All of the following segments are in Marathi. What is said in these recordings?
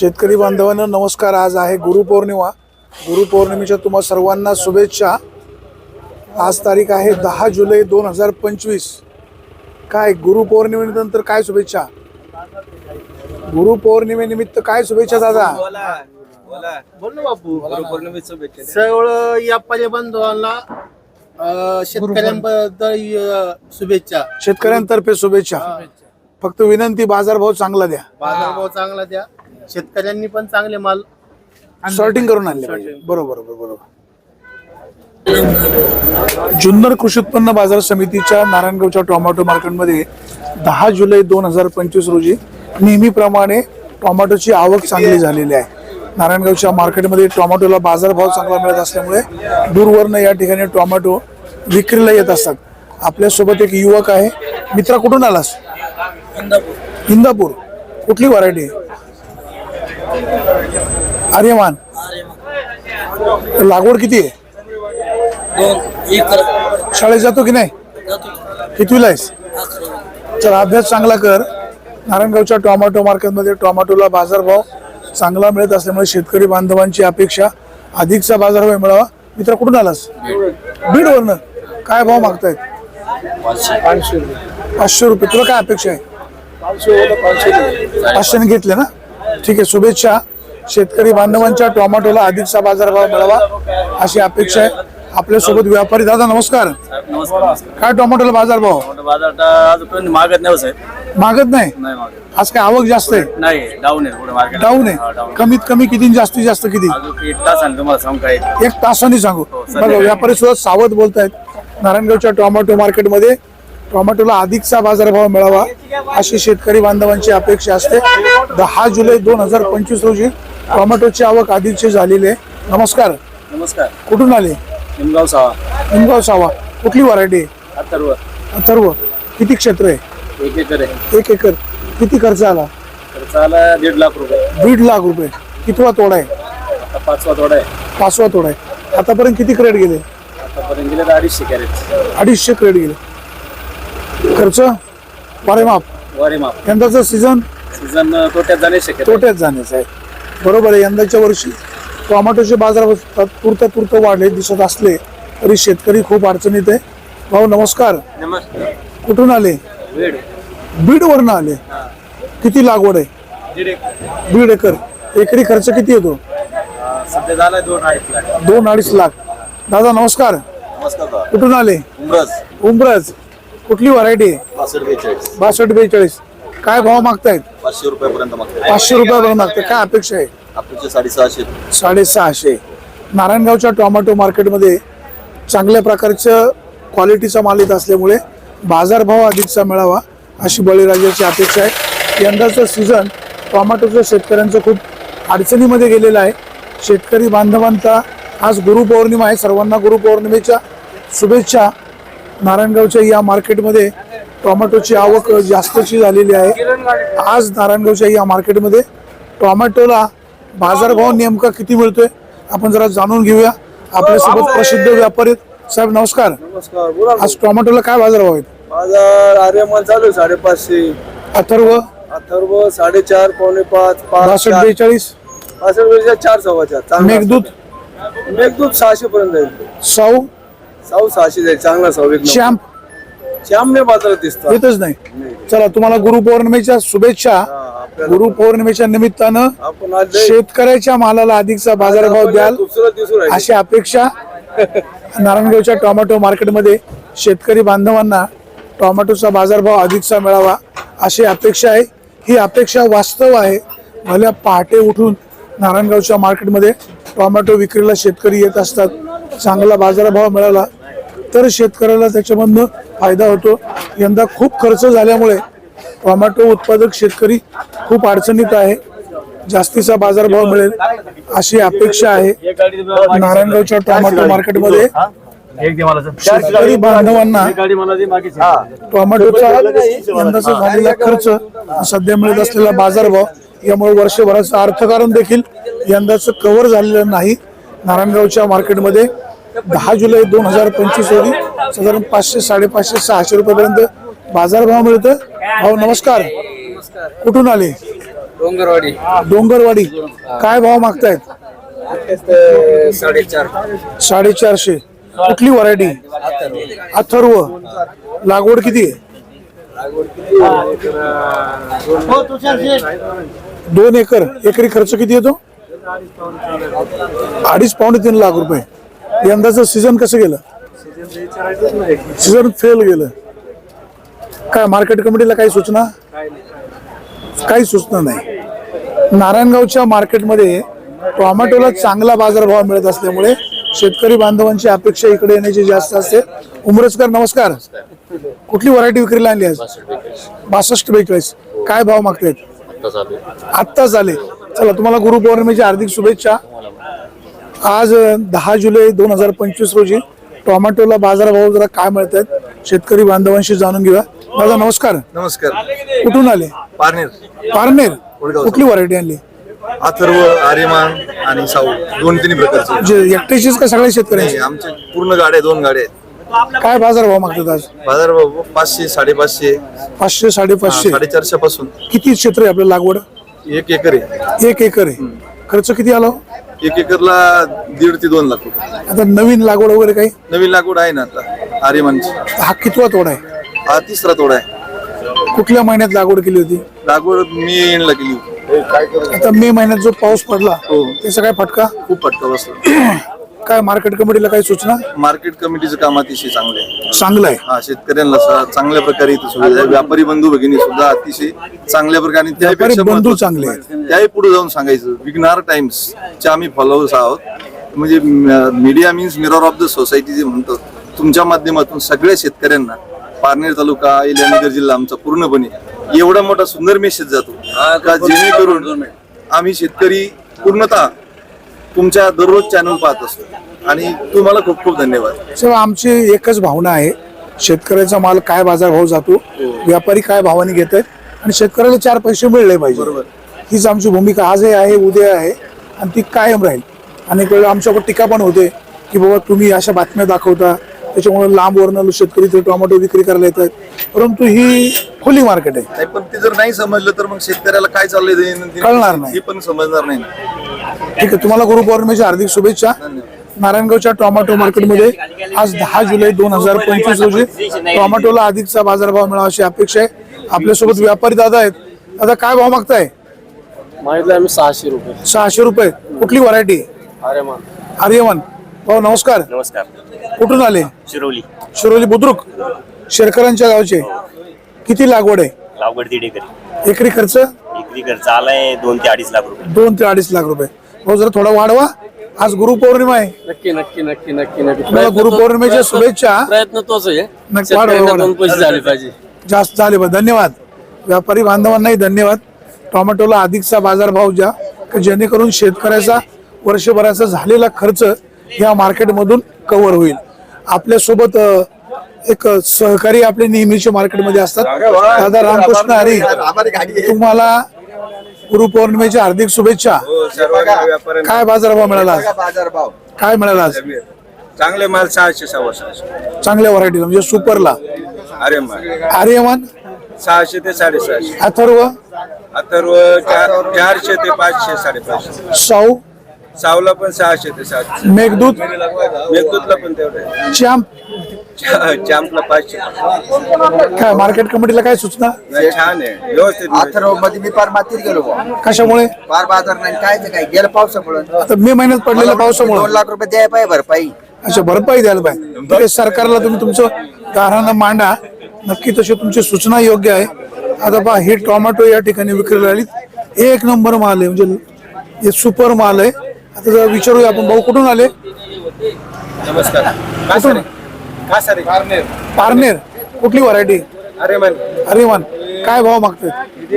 शेतकरी बांधवांनो नमस्कार। आज आहे गुरुपौर्णिमा। गुरुपौर्णिमेच्या तुम्हा सर्वांना शुभेच्छा। आज तारीख आहे 10 जुलै 2025। काय गुरुपौर्णिमेनंतर काय शुभेच्छा? गुरुपौर्णिमेनिमित्त काय शुभेच्छा दादा? बोल ना बापू। गुरुपौर्णिमेच्या शुभेच्छा सर्व व्यापारी बांधवांना, शेतकऱ्यांबद्दल शुभेच्छा। शेतकऱ्यांतर्फे शुभेच्छा। फक्त विनंती बाजारभाव चांगला द्या। बाजारभाव चांगला द्या। शेतकऱ्यांनी पण चांगले माल सॉर्टिंग करून आणले पाहिजे। बरोबर बरोबर। जुन्नर कृषी उत्पन्न बाजार समितीच्या नारायणगावच्या टोमॅटो मार्केटमध्ये 10 जुलै 2025 रोजी नेहमीप्रमाणे टोमॅटोची आवक चांगली झालेली आहे। नारायणगावच्या मार्केटमध्ये टोमॅटोला बाजारभाव चांगला मिळत असल्यामुळे दूरवरनं या ठिकाणी टोमॅटो विक्रीला येत असतात। आपल्यासोबत एक युवक आहे। मित्रा, कुठून आलास? इंदापूर। कुठली व्हरायटी? आर्यमान। लागवड किती आहे? 2 एकर। शाळेत जातो की नाही? कितवीला आहेस? चल, अभ्यास चांगला कर। नारायणगावच्या टोमॅटो मार्केटमध्ये टोमॅटोला बाजारभाव चांगला मिळत असल्यामुळे शेतकरी बांधवांची अपेक्षा अधिकचा बाजारभाव मिळावा। मित्र, कुठून आलास? बीडवरनं। काय भाव मागतायत? 500 रुपये। तुला काय अपेक्षा आहे? 500 घेतले ना? ठीक आहे, शुभेच्छा। शेतकरी बांधवांच्या टोमॅटोला अधिकचा बाजारभाव मिळावा अशी अपेक्षा आहे। आपल्यासोबत व्यापारी दादा, नमस्कार। काय टोमॅटोला बाजारभाव? मागत नाही साहेब। मागत नाही? आज काय आवक जास्त आहे? नाही, डाऊन आहे। डाऊन आहे? कमीत कमी किती, जास्तीत जास्त किती? एक तासाने सांगू। बघा, व्यापारी सुद्धा सावध बोलतायत। नारायणगावच्या टोमॅटो मार्केटमध्ये टोमॅटोला अधिकचा बाजारभाव मिळावा अशी शेतकरी बांधवांची अपेक्षा असते। 10 जुलै 2025 रोजी टोमॅटोची आवक अधिकची झालेली आहे। नमस्कार। नमस्कार। कुठून आले? निमगाव सावा। निमगाव सावा। कुठली व्हरायटी? अथर्व। अथर्व। किती क्षेत्र आहे? 1 एकर आहे। 1 एकर। किती खर्च आला? खर्च आला 1.5 लाख रुपये। 1.5 लाख रुपये। कितवा तोडा आहे? आता 5वा तोडा आहे। 5वा तोडा आहे। आतापर्यंत किती क्रेट गेले? आतापर्यंत गेले 250 कॅरेट। 250 क्रेट गेले। खर्च वारे माप? वारे माप। यंदाचा सीझन तोट्यात जाण्याची शक्यता। तोट्यात जाण्याचं आहे। बरोबर आहे। यंदाच्या वर्षी टोमॅटोचे बाजार तुर्त वाढले दिसत असले तरी शेतकरी खूप अडचणीत आहे। भाऊ नमस्कार। नमस्कार। कुठून आले? बीड। बीडवरनं आले। किती लागवड आहे? 1.5 एकर। एकरी खर्च किती येतो? सध्या झाला 2-2.5 लाख। 2-2.5 लाख। दादा नमस्कार। नमस्कार। कुठून आले? उंबरज। कुठली व्हरायटी? 62-42। काय भाव मागतायत? 500 रुपयापर्यंत मागतात। 500 रुपयापर्यंत मागते। काय अपेक्षा आहे? अपेक्षा 650। 650। नारायणगावच्या टोमॅटो मार्केटमध्ये चांगल्या प्रकारचं क्वालिटीचा माल येत असल्यामुळे बाजारभाव अधिकचा मिळावा अशी बळीराजाची अपेक्षा आहे। यंदाचं सीझन टोमॅटोचं शेतकऱ्यांचं खूप अडचणीमध्ये गेलेलं आहे। शेतकरी बांधवांचा आज गुरुपौर्णिमा आहे। सर्वांना गुरुपौर्णिमेच्या शुभेच्छा। नारायणगावच्या या मार्केटमध्ये टोमॅटोची आवक जास्तची झालेली आहे। आज नारायणगावच्या या मार्केटमध्ये टोमॅटोला बाजारभाव नेमका किती मिळतोय आपण जरा जाणून घेऊया। आपल्यासोबत प्रसिद्ध व्यापारी साहेब, नमस्कार। नमस्कार। आज टोमॅटोला काय बाजारभाव आहेत? बाजार आर्यमान चालू 550। अथर्व? अथर्व 4.5 पावणे 5। 62-42। 4 सव्वा 4। मेघदूत? मेघदूत 600 पर्यंत जाईल। साऊ? साऊ 600 जाईल। चांगला साऊ। श्याम? श्यामने बाजारात दिसतो। येतच नाही। चला, तुम्हाला गुरुपौर्णिमेच्या शुभेच्छा। गुरुपौर्णिमेच्या निमित्तानं आपण आज शेतकऱ्याच्या मालाला अधिकचा बाजारभाव द्याल खूपसूरत दिसू राहील अशी अपेक्षा नारायणगावच्या टोमॅटो मार्केटमध्ये शेतकरी बांधवांना टोमॅटोचा बाजारभाव अधिकचा मिळावा अशी अपेक्षा आहे। ही अपेक्षा वास्तव आहे। भल्या पहाटे उठून नारायणगावच्या मार्केटमध्ये टोमॅटो विक्रीला शेतकरी येत असतात। चांगला बाजारभाव मिळाला तर शेतकऱ्याला त्याच्यामधनं फायदा होतो। यंदा खूप खर्च झाल्यामुळे टोमॅटो उत्पादक शेतकरी खूप अडचणीत आहे। जास्तीचा बाजारभाव मिळेल अशी अपेक्षा आहे। नारायणगावच्या टोमॅटो मार्केटमध्ये शेतकरी बांधवांना टोमॅटोचा यंदाचा झालेला खर्च, सध्या मिळत असलेला बाजारभाव यामुळे वर्षभराचं अर्थकारण देखील यंदाचं कव्हर झालेलं नाही। नारायणगावच्या मार्केटमध्ये 10 जुलै 2025 रोजी साधारण 500, 550, 600 रुपयापर्यंत बाजारभाव मिळतो। भाऊ नमस्कार। कुठून आले? डोंगरवाडी डोंगरवाडी काय भाव मागतायत? 4.5. 450. कुठली व्हरायटी? अथर्व. लागवड किती आहे? 2 एकर. एकरी खर्च किती येतो? 2.5-3 लाख रुपये. यंदाचं सीझन कसं गेलं? सीझन फेल गेलं. काय मार्केट कमिटीला काही सूचना? काही सूचना नाही. नारायणगावच्या मार्केटमध्ये टोमॅटोला चांगला बाजारभाव मिळत असल्यामुळे शेतकरी बांधवांची अपेक्षा इकडे येण्याची जास्त असते. उमरजकर नमस्कार. कुठली व्हरायटी विक्रीला आणली आज? 62-42. काय भाव मागतायत? आत्ता झाले. चला तुम्हाला गुरुपौर्णिमेच्या हार्दिक शुभेच्छा. आज 10 जुलै 2025 रोजी टोमॅटोला बाजारभाव जरा काय मिळत आहेत शेतकरी बांधवांशी जाणून घेऊया. दादा नमस्कार. नमस्कार. कुठून आले? पारनेर. पारनेर. कुठली व्हरायटी आणली? अथर्व, आर्यमान आणि साऊ 2-3 प्रकारचे. म्हणजे एकट्याचीच का सगळ्या शेतकऱ्यांची? आमचे पूर्ण गाड्या 2 गाड्या आहेत. काय बाजारभाव मागतात आज? बाजार 500, 550, 500, 550. 450 पासून. किती क्षेत्र आहे आपल्या लागवड? 1 एकर आहे. 1 एकर आहे. खर्च किती आला? 1 एकरला 1.5 ते 2 लाख रुपये. आता नवीन लागवड वगैरे काही? नवीन लागवड आहे ना आता आर्यमानची. हा कितवा तोडा आहे? हा 3रा तोडा आहे. कुठल्या महिन्यात लागवड केली होती? लागवड मी एंडला केली होती. आता मे महिन्यात जो पाऊस पडला हो. त्याचा काय फटका? खूप फटका बसला. काय मार्केट कमिटीला काही सूचना? मार्केट कमिटीचं काम अतिशय चांगलं आहे. चांगलं आहे. हा शेतकऱ्यांना चांगल्या प्रकारे इथं सुविधा आहे. व्यापारी बंधू भगिनी सुद्धा अतिशय चांगल्या प्रकारे. व्यापारी बंधू चांगले आहेत. त्याही पुढे जाऊन सांगायचं. विघ्नार टाइम्स चे आम्ही फॉलोअर्स आहोत. म्हणजे media means mirror of the society जे म्हणतो, तुमच्या माध्यमातून सगळ्या शेतकऱ्यांना पारनेर तालुका इलानगर जिल्हा आमचा पूर्णपणे एवढा मोठा सुंदर मेसेज जातो का जेणेकरून आम्ही शेतकरी पूर्णतः तुमच्या दररोज चॅनल पाहत असतो आणि तुम्हाला खूप खूप धन्यवाद. सर आमची एकच भावना आहे, शेतकऱ्याचा माल काय बाजारभाव जातो, व्यापारी काय भावाने घेत आहेत आणि शेतकऱ्याला 4 पैसे मिळले पाहिजे. हीच आमची भूमिका आजही आहे, उद्या आहे आणि ती कायम राहील. अनेक वेळा आमच्यावर टीका पण होते की बाबा तुम्ही अशा बातम्या दाखवता त्याच्यामुळे लांब वर्ण शेतकरी ते टोमॅटो विक्री करायला येतात. परंतु ही खुली मार्केट आहे. नाही, पण ते जर नाही समजलं तर मग शेतकऱ्याला काय चाललंय कळणार नाही. हे पण समजणार नाही. ठीक आहे. तुम्हाला गुरुपौर्णिमेच्या हार्दिक शुभेच्छा. नारायणगावच्या टोमॅटो मार्केटमध्ये आज 10 जुलै 2025 रोजी टोमॅटोला अधिकचा बाजारभाव मिळावा अशी अपेक्षा आहे. आपल्यासोबत व्यापारी दादा आहेत. दादा काय भाव मागताय? मागितलं आम्ही 600 रुपये. 600 रुपये. कुठली व्हरायटी? आर्यमान. भाऊ नमस्कार. नमस्कार. कुठून आले? शिरोली. शिरोली बुद्रुक शेरकरांच्या गावचे. किती लागवड आहे? लागवड 1.5 एकर. एकरी खर्च? एकरी खर्च आलाय 2 ते 2.5 लाख रुपये. 2 ते 2.5 लाख रुपये. भाऊ जरा थोडा वाढवा. आज गुरुपौर्णिमा आहे. नक्की नक्की नक्की नक्की नक्की. तुम्हाला गुरुपौर्णिमेच्या शुभेच्छा. प्रयत्न तोच आहे. नक्की वाढवा. 2 पैसे झाले पाहिजे. जास्त झाले पाहिजे. धन्यवाद. व्यापारी बांधवांनाही धन्यवाद. टोमॅटोला अधिकचा बाजारभाव द्या जेणेकरून शेतकऱ्याचा वर्षभराचा झालेला खर्च या मार्केटमधून कव्हर होईल. आपल्यासोबत एक सहकारी आपले नेहमीचे मार्केटमध्ये असतात. दादा रामकृष्ण हरी, तुम्हाला गुरुपौर्णिमेच्या हार्दिक शुभेच्छा. काय बाजारभाव मिळाला आज? काय मिळाला आज? चांगले माल 600 600. चांगल्या व्हरायटीला म्हणजे सुपरला? आर्यमान 600 ते 650. अथर्व? अथर्व 400 ते 500 550. साऊ? सावला पण 600 ते 700. मेघदूत? मेघदूतला पण तेवढे. चॅम्प? चॅम्पला 500. काय मार्केट कमिटीला काय सूचना? छान आहे, व्यवस्थित. अथर्व मध्ये मी पार मातीत गेलो बुवा. कशामुळे? पार बाजार नाही काय ते काय गेलं पावसामुळे. आता मे महिन्यात पडलेल्या 2 पावसामुळे. लाख रुपये द्यायला पाहिजे भरपाई. अच्छा, भरपाई द्यायला पाहिजे. ठीक आहे, सरकारला तुम्ही तुमचं गाऱ्हाणं मांडा. नक्की तशी तुमची सूचना योग्य आहे. आता पहा हे टोमॅटो या ठिकाणी विक्रीला आली. 1 नंबर माल आहे, म्हणजे हे सुपर माल आहे. आता जरा विचारूया आपण. भाऊ कुठून आले? नमस्कार. कुठून? पारनेर. कुठली व्हरायटी? अरेमान. काय भाव मागतात?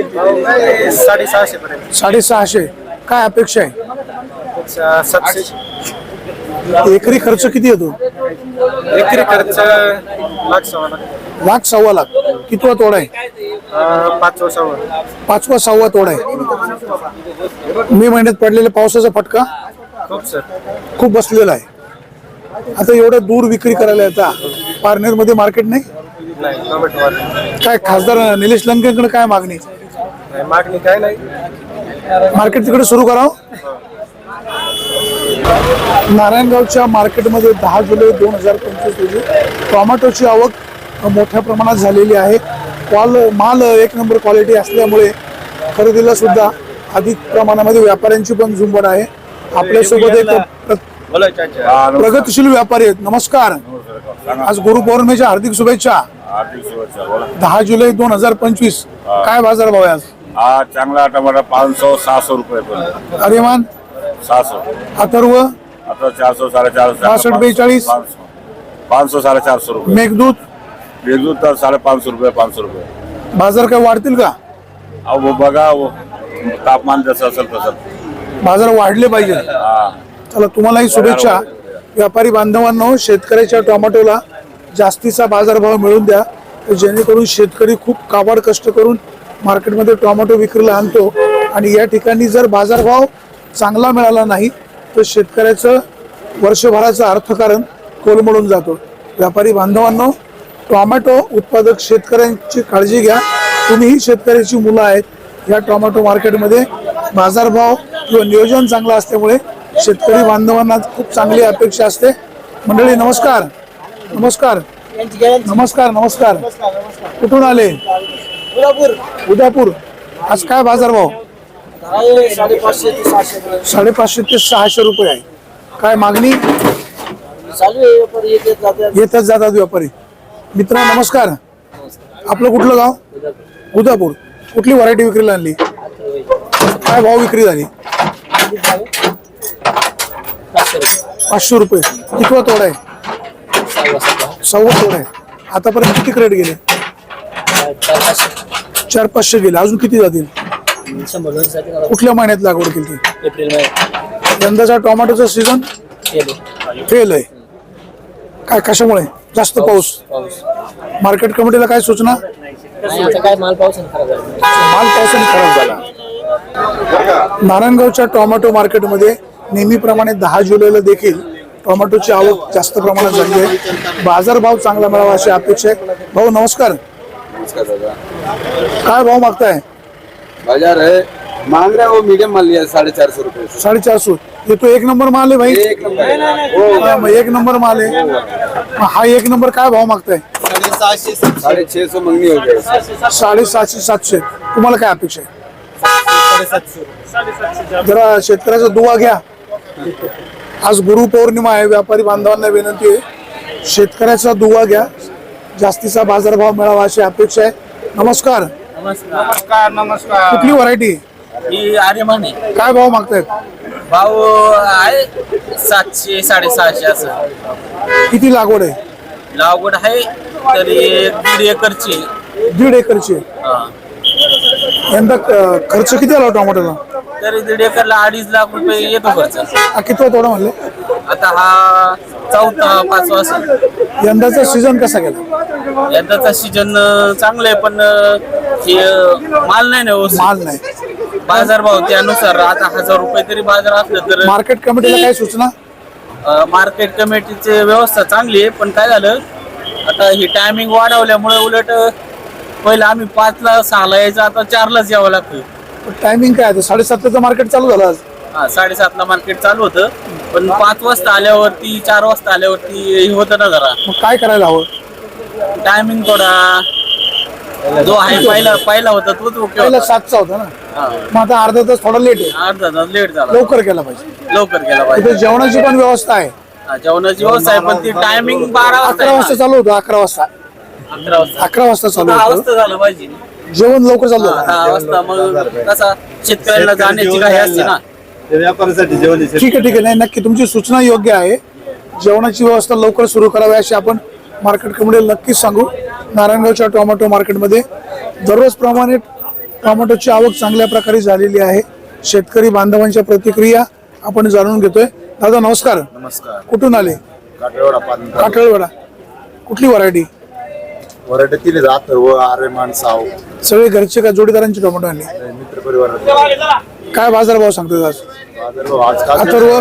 650 पर्यंत. 650. काय अपेक्षा आहे? 700. एकरी खर्च किती येतो? एकरी खर्च 1,00,000 लाख 1.25 लाख. कितवा तोडा आहे? 500. 5वा 6वा तोडा आहे. मे महिन्यात पडलेल्या पावसाचा फटका खूप बसलेला आहे. आता एवढं दूर विक्री करायला येतात. पारनेर मध्ये मार्केट नाही. काय खासदार निलेश लंकेकडे काय मागणी? मागणी काय नाही. मार्केट तिकडे सुरू करावं. नारायणगावच्या मार्केटमध्ये 10 जुलै 2025 रोजी टोमॅटोची आवक मोठ्या प्रमाणात झालेली आहे. माल एक नंबर क्वालिटी असल्यामुळे खरेदीला सुद्धा अधिक प्रमाणामध्ये व्यापाऱ्यांची पण झुंबड आहे. आपल्यासोबत एक प्रगतशील व्यापारी आहेत. नमस्कार. आज गुरुपौर्णिमेच्या हार्दिक शुभेच्छा. 10 जुलै 2025 काय बाजार भाव आहे आज? हा चांगला टमाटा 500-600 रुपये. अरेमान 600. अथर्व आता 400 450. 62 500 450 रुपये. मेघदूत बेजूत तर 550 रुपये 500 रुपये. बाजार काय वाढतील का? अहो बघा तापमान जसं असेल तसं. बाजार वाढले पाहिजे. हा चला तुम्हालाही शुभेच्छा. व्यापारी बांधवांनो, शेतकऱ्याच्या टोमॅटोला जास्तीचा बाजारभाव मिळून द्या, जेणेकरून शेतकरी खूप काबाड कष्ट करून मार्केटमध्ये टोमॅटो विक्रीला आणतो आणि या ठिकाणी जर बाजारभाव चांगला मिळाला नाही तर शेतकऱ्याचं वर्षभराचं अर्थकारण कोलमडून जातो. व्यापारी बांधवांनो, टोमॅटो उत्पादक शेतकऱ्यांची काळजी घ्या. तुम्हीही शेतकऱ्याची मुलं आहेत. या टोमॅटो मार्केटमध्ये बाजारभाव किंवा नियोजन चांगलं असल्यामुळे शेतकरी बांधवांना खूप चांगली अपेक्षा असते. मंडळी नमस्कार. नमस्कार नमस्कार नमस्कार. कुठून आले? उदापूर. आज काय बाजारभाव? 550 ते 600 रुपये आहे. काय मागणी? येतच जातात व्यापारी. मित्र नमस्कार. आपलं कुठलं गाव? उदापूर. कुठली व्हरायटी विक्रीला आणली? काय भाव विक्री झाली? 500 रुपये. कितवा तोडा आहे? 6वा तोडा आहे. आतापर्यंत किती क्रेट गेले? 400-500 गेले. अजून किती जातील? कुठल्या महिन्यात लागवड केली? एप्रिल मध्ये. यंदाचा टोमॅटोचा सीझन फेल आहे. काय कशामुळे? जास्त पाऊस. मार्केट कमिटीला काय सूचना? काय माल पावसाने खराब झाला. माल पावसाने खराब झाला. नारायणगावच्या टोमॅटो मार्केटमध्ये नेहमीप्रमाणे 10 जुलैला देखील टोमॅटोची आवक जास्त प्रमाणात झाली आहे. बाजारभाव चांगला मिळावा अशी अपेक्षा आहे. भाऊ नमस्कार. काय भाव मागताय? बाजार है मांग रहा है वो मीडियम माल लिया 450 रुपये. 450. ये तो एक नंबर माल आहे भाई. एक नंबर है. मग एक नंबर माल आहे. मग हा एक नंबर काय भाव मागताय? 650 मंगनी हो गई. 750-700. तुम्हाला काय अपेक्षा आहे? जरा शेतकऱ्याचा दुवा घ्या. आज गुरुपौर्णिमा आहे. व्यापारी बांधवांना विनंती आहे, शेतकऱ्याचा दुवा घ्या. जास्तीचा बाजारभाव मिळावा अशी अपेक्षा आहे. नमस्कार. नमस्कार नमस्कार. कुठली व्हरायटी? ही आर्यमान आहे. काय भाव मागतायत? भाव आहे 700 650 असं. किती लागवड आहे? लागवड आहे तरी 1.5 एकरची. 1.5 एकरची आहे. यंदा खर्च किती आला टोमॅटोला? तरी 1.5 एकरला 2.5 लाख रुपये येतो खर्च. हा कितवा तोडा म्हणले? आता हा 4था 5वा असेल. यंदाचा सीझन कसा गेला? यंदाचा सीजन चांगला आहे, पण हे माल नाही ना व्यवस्थित. माल नाही. बाजारभाव त्यानुसार आता 1000 रुपये तरी बाजार असलं तर. मार्केट कमिटीला काय सूचना? मार्केट कमिटीची व्यवस्था चांगली आहे, पण काय झालं आता ही टायमिंग वाढवल्यामुळे उलट पहिलं आम्ही 5ला 6ला यायचं, आता 4लाच यावं लागतं. टायमिंग काय आहे? 7:30चं मार्केट चालू झालं आज. 7:30ला मार्केट चालू होतं, पण 5 वाजता आल्यावरती 4 वाजता आल्यावरती हे होतं ना जरा मग काय करायला हवं? टायमिंग थोडा जो आहे पहिला होता तोच ओके पहिला होता. 7चा होता ना. मग आता अर्धा तास थोडा लेट आहे. अर्धा तास लेट झाला. लवकर केला पाहिजे. लवकर गेला पाहिजे. इथे जेवणाची पण व्यवस्था आहे. जेवणाची व्यवस्था आहे, पण ती टायमिंग 12 वाजता 11 वाजता चालू होतं. 11 वाजता 11 वाजता 11 वाजता चालू 10 होतं. वाजता झालं पाहिजे. जेवण लवकर चालू होतं. 10 वाजता मग कसा शेतकऱ्याला जाण्याची काही असते ना. व्यापाऱ्यासाठी जेवण ठीक आहे नाही, नक्की तुमची सूचना योग्य आहे. जेवणाची व्यवस्था लवकर सुरू करावी अशी आपण मार्केट कमिटीला नक्कीच सांगू. नारायणगावच्या टोमॅटो मार्केटमध्ये दररोज प्रमाणे टोमॅटोची आवक चांगल्या प्रकारे झालेली आहे. शेतकरी बांधवांच्या प्रतिक्रिया आपण जाणून घेतोय. दादा नमस्कार. नमस्कार. कुठून आले? काठळवाडा. कुठली व्हरायटी? वराठे 3 अथर्व आर्यमान साव सगळे घरचे का जोडीदारांची टोमॅटो आणले? मित्र परिवार. काय बाजारभाव सांगतोय आज? अथर्व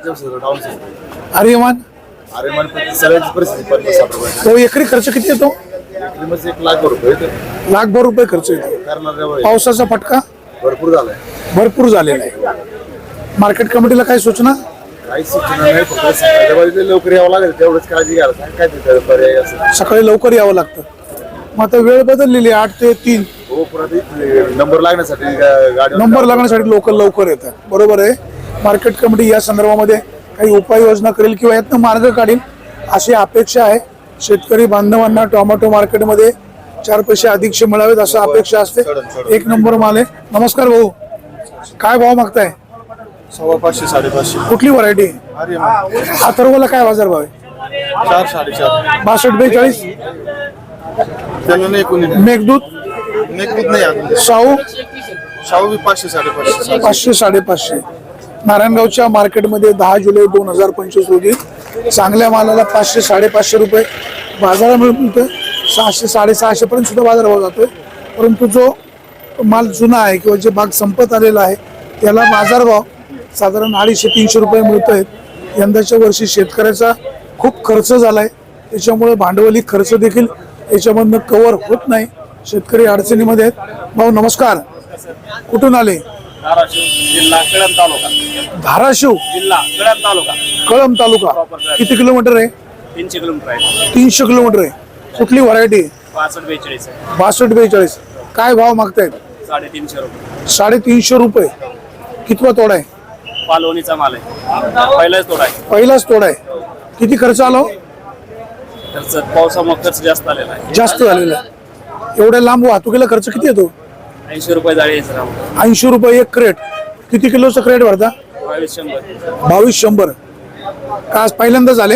आर्यमान आर्यमान सगळ्याची परिस्थिती 50-60 रुपये. तो एकरी खर्च किती येतो? 1 लाख रुपये लाखभर रुपये खर्च येतो. करणार पावसाचा फटका भरपूर झालाय. भरपूर झालेला आहे. मार्केट कमिटीला काय सूचना? काही सूचना नाही, फक्त सकाळच्या बाजूला लवकर यावं लागेल तेवढंच काळजी घ्यायला काय तिथं पर्याय असं. सकाळी लवकर यावं लागतं. मग आता वेळ बदललेली आहे 8 ते 3. हो पुन्हा नंबर लागण्यासाठी गाडी नंबर लागण्यासाठी लोक लवकर येतात. बरोबर आहे. मार्केट कमिटी या संदर्भामध्ये काही उपाययोजना करेल किंवा यातनं मार्ग काढेल अशी अपेक्षा आहे. शेतकरी बांधवांना टोमॅटो मार्केटमध्ये 4 पैसे अधिकचे मिळावेत असं अपेक्षा असते. 1 नंबर माल आहे. नमस्कार भाऊ, काय भाव मागताय? 500 550. कुठली व्हरायटी? अथर्वला काय बाजार भाव आहे? 4 4.5. 62 42. त्याला नाही कोणी मेघदूत नाही अजून. साऊ शाहू बी 500 550. 500 550. नारायणगावच्या मार्केटमध्ये 10 जुलै 2025 रोजी चांगल्या मालाला 500 550 रुपये बाजारात मिळतोय. 600 650 पर्यंत सुद्धा बाजारभाव जातोय. परंतु जो माल जुना आहे किंवा जे बाग संपत आलेला आहे त्याला बाजारभाव साधारण 250 300 रुपये मिळतोय. यंदाच्या वर्षी शेतकऱ्याचा खूप खर्च झालाय, त्याच्यामुळे भांडवली खर्च देखील याच्यामधनं कव्हर होत नाही. शेतकरी अडचणीमध्ये आहेत. भाऊ नमस्कार, कुठून आले? जिल्हा कळंब तालुका. धाराशिव जिल्हा कळंब तालुका. कळंब तालुका. किती किलोमीटर आहे? 300 किलोमीटर आहे. 300 किलोमीटर आहे. कुठली व्हरायटी? 62 42 आहे. 62 42. काय भाव मागतायत? 350 रुपये. 350 रुपये. कितवा तोडा आहे? पालवणीचा माल आहे, पहिलाच तोडा आहे. पहिलाच तोडा आहे. किती खर्च आला हो? खर्च पावसामुळे खर्च जास्त आलेला आहे. जास्त झालेला आहे. एवढ्या लांब वाहतुकीला खर्च किती येतो? 80 रुपये जाळी आहे सर. 80 रुपये एक क्रेट. किती किलोचं क्रेट भरता? 2200. 2200. का आज पहिल्यांदा झाले?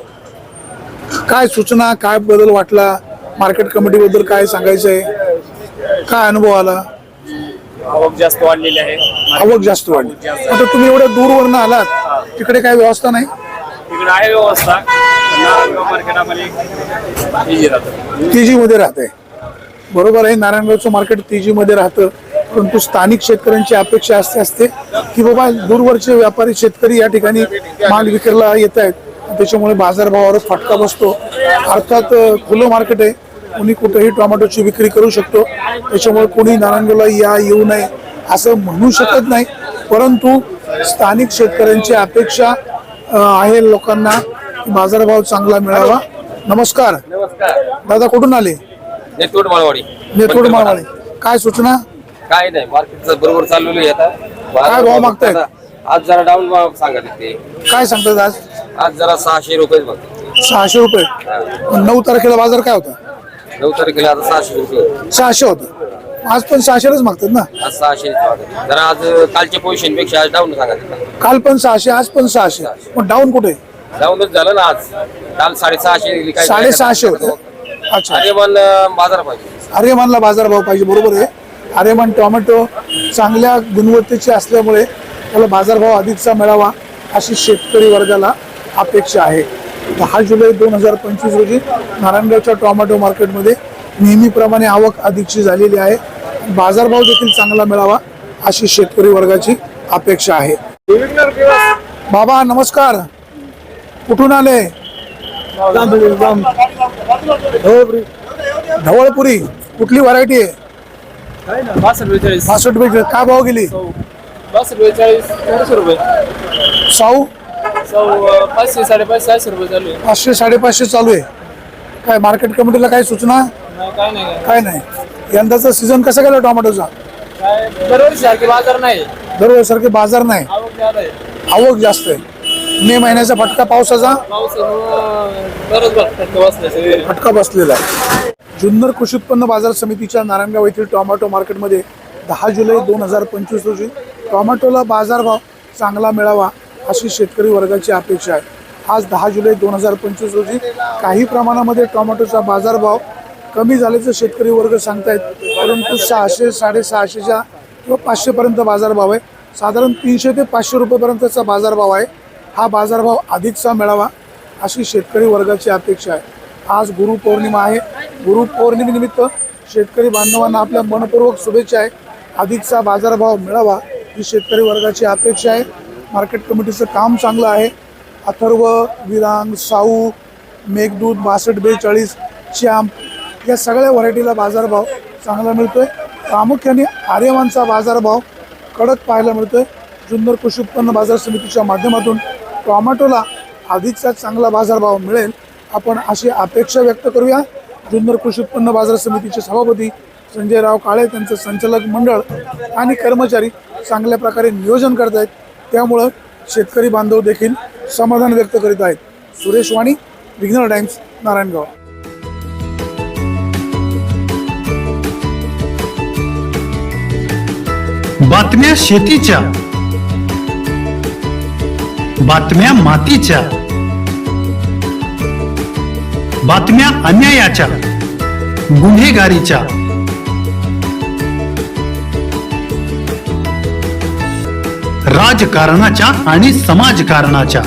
काय सूचना, काय बदल वाटला? मार्केट कमिटी बद्दल काय सांगायचं आहे? काय अनुभव आला? आवक जास्त वाढलेली आहे. आवक जास्त वाढली. आता तुम्ही एवढ्या दूरवरनं आलात, तिकडे काय व्यवस्था नाही? तिकडे आहे व्यवस्था, नारायणगाव मार्केटामध्ये इजी राहतं. तेजी मध्ये राहते. बरोबर आहे. नारायणगावचं मार्केट तेजी मध्ये राहतं. परंतु स्थानिक शेतकऱ्यांची अपेक्षा असते की बाबा दूरवरचे व्यापारी शेतकरी या ठिकाणी माल विक्रीला येत आहेत, त्याच्यामुळे बाजारभावावर फटका बसतो. अर्थात खुलं मार्केट आहे, कोणी कुठेही टोमॅटोची विक्री करू शकतो. त्याच्यामुळे कोणी नारायणगावला येऊ नये असं म्हणू शकत नाही. परंतु स्थानिक शेतकऱ्यांची अपेक्षा आहे लोकांना की बाजारभाव चांगला मिळावा. नमस्कार दादा, कुठून आले? नेतवड माळवाडी. नेतवड माळवाडी. काय सूचना? काय नाही, मार्केटचं बरोबर चाललेलं आहे आता. काय भाव मागतायत? आज जरा डाऊन भाव सांगत ते. काय सांगतात आज? आज जरा 600 रुपये बघ. 600 रुपये. 9 तारखेला बाजार काय होता? 9 तारखेला आता 600 रुपये. 600 होतं. आज पण 600च मागतात ना? आज 600 जरा आज कालच्या पोझिशन पेक्षा आज डाऊन सांगत. काल पण 600, आज पण 600. पण डाऊन कुठे? डाऊनच झालं ना आज. काल 650 काय 650 होतं. अच्छा. अरे पण बाजार पाहिजे. आर्यमानला बाजारभाव पाहिजे. बरोबर आहे. आर्यमान टोमॅटो चांगल्या गुणवत्तेचे असल्यामुळे त्याला बाजारभाव अधिकचा मिळावा अशी शेतकरी वर्गाला अपेक्षा आहे. 10 जुलै 2025 रोजी नारायणगावच्या टोमॅटो मार्केटमध्ये नेहमीप्रमाणे आवक अधिकची झालेली आहे. बाजारभाव देखील चांगला मिळावा अशी शेतकरी वर्गाची अपेक्षा आहे. बाबा नमस्कार, कुठून आले? ढवळपुरी. कुठली व्हरायटी आहे? 62 42. काय भाव गेली? 42 रुपये. साऊ 500 550 रुपये चालू आहे. 500 550 चालू आहे. काय मार्केट कमिटीला काय सूचना? काय नाही, काय नाही. यंदाचा सीझन कसा गेला टोमॅटोचा? दरवर्षी सारखे बाजार नाही, दरवर्षीसारखे बाजार नाही, आवक जास्त आहे. आवक जास्त आहे. मे महिन्याचा फटका पावसाचा फटका बसलेला आहे. जुन्नर कृषी उत्पन्न बाजार समितीच्या नारायणगाव येथील टोमॅटो मार्केटमध्ये 10 जुलै 2025 रोजी टोमॅटोला बाजारभाव चांगला मिळावा अशी शेतकरी वर्गाची अपेक्षा आहे. आज 10 जुलै 2025 रोजी काही प्रमाणामध्ये टोमॅटोचा बाजारभाव कमी झाल्याचं शेतकरी वर्ग सांगतायत. परंतु 600 650 किंवा 500 पर्यंत बाजारभाव आहे. साधारण 300 ते 500 रुपयेपर्यंतचा बाजारभाव आहे. हा बाजारभाव अधिकचा मिळावा अशी शेतकरी वर्गाची अपेक्षा आहे. आज गुरुपौर्णिमा आहे. गुरुपौर्णिमेनिमित्त शेतकरी बांधवांना आपल्या मनपूर्वक शुभेच्छा आहे. अधिकचा बाजारभाव मिळावा ही शेतकरी वर्गाची अपेक्षा आहे. मार्केट कमिटीचं काम चांगलं आहे. अथर्व, विरांग, साऊ, मेघदूत, 62 42, चॅम्प या सगळ्या व्हरायटीला बाजारभाव चांगला मिळतोय. प्रामुख्याने आर्यमानचा बाजारभाव कडक पाहायला मिळतं. जुन्नर कृषी उत्पन्न बाजार समितीच्या माध्यमातून टोमॅटोला अधिकचा चांगला बाजारभाव मिळेल आपण अशी अपेक्षा व्यक्त करूया. जुन्नर कृषी उत्पन्न बाजार समितीचे सभापती संजयराव काळे, त्यांचं संचालक मंडळ आणि कर्मचारी चांगल्या प्रकारे नियोजन करत आहेत, त्यामुळं शेतकरी बांधव देखील समाधान व्यक्त करीत आहेत. सुरेश वाणी, विघ्नर टाइम्स, नारायणगाव. बातम्या शेतीच्या, बातम्या मातीच्या, बातम्या अन्यायाच्या, गुन्हेगारीच्या, राजकारणाच्या आणि समाजकारणाच्या,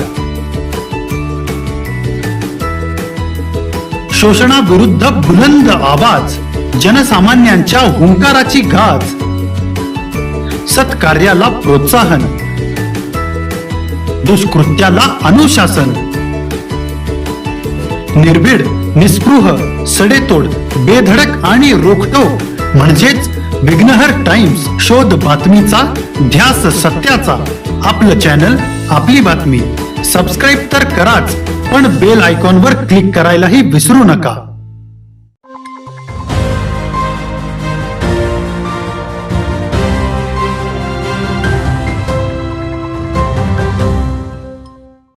शोषणाविरुद्ध बुलंद आवाज, जनसामान्यांच्या हुंकाराची गाज, सत्कार्याला प्रोत्साहन, दुष्कृत्याला अनुशासन, निर्भीड, निस्पृह, सडेतोड, बेधडक आणि रोखटोक म्हणजेच विघ्नहर टाइम्स. शोध बातमीचा, ध्यास सत्याचा. आपलं चॅनल, आपली बातमी. सबस्क्राईब तर कराच, पण बेल आयकॉनवर क्लिक करायलाही विसरू नका.